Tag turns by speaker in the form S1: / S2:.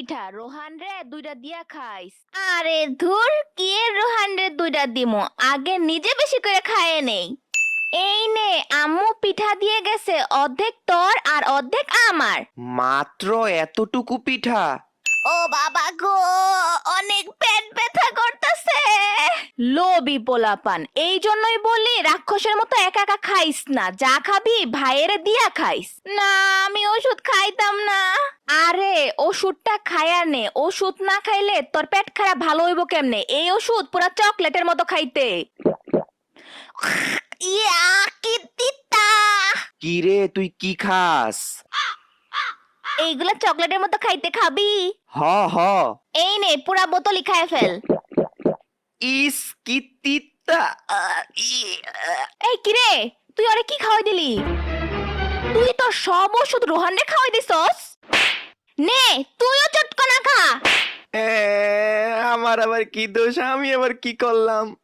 S1: পিঠা রোহান রে দুইটা দিয়া খাইস।
S2: আরে ধুর, কি এর রোহান রে দুইটা দিমু, আগে নিজে বেশি করে খায়ে নেই। এই নে, আম্মু পিঠা দিয়ে গেছে, অর্ধেক তোর আর অর্ধেক আমার।
S3: মাত্র এতটুকু পিঠা?
S2: ও বাবা গো, অনেক পেট ব্যথা করতেছে।
S1: লোভী পোলাপান, এই জন্যই বলি রাক্ষসের মতো একা একা খাইস না, যা খাবি ভাইয়েরে দিয়া খাইস।
S2: না, আমি ওষুধ খাইতাম না।
S1: আরে ওষুধটা খায়া নে, ওষুধ না খাইলে তোর পেট খারাপ ভালো হইব কেমনে? এই ওষুধ পুরা চকলেটের মতো খাইতে।
S2: ইয়া, কি তিতা!
S3: কি রে, তুই কি খাস?
S2: এইগুলা চকলেটের মতো খাইতে, খাবি?
S3: হ হ।
S2: এই নে, পুরা বোতলই খায় ফেল।
S3: ইস কি তিতা!
S1: এই কিরে, তুই ওরে কি খাওয়াই দিলি? তুই তো সব ওষুধ রোহানরে খাওয়াই দিছস।
S2: নে, তুইও চটকনা খা।
S3: আমার আবার কি দোষ? আমি আবার কি করলাম?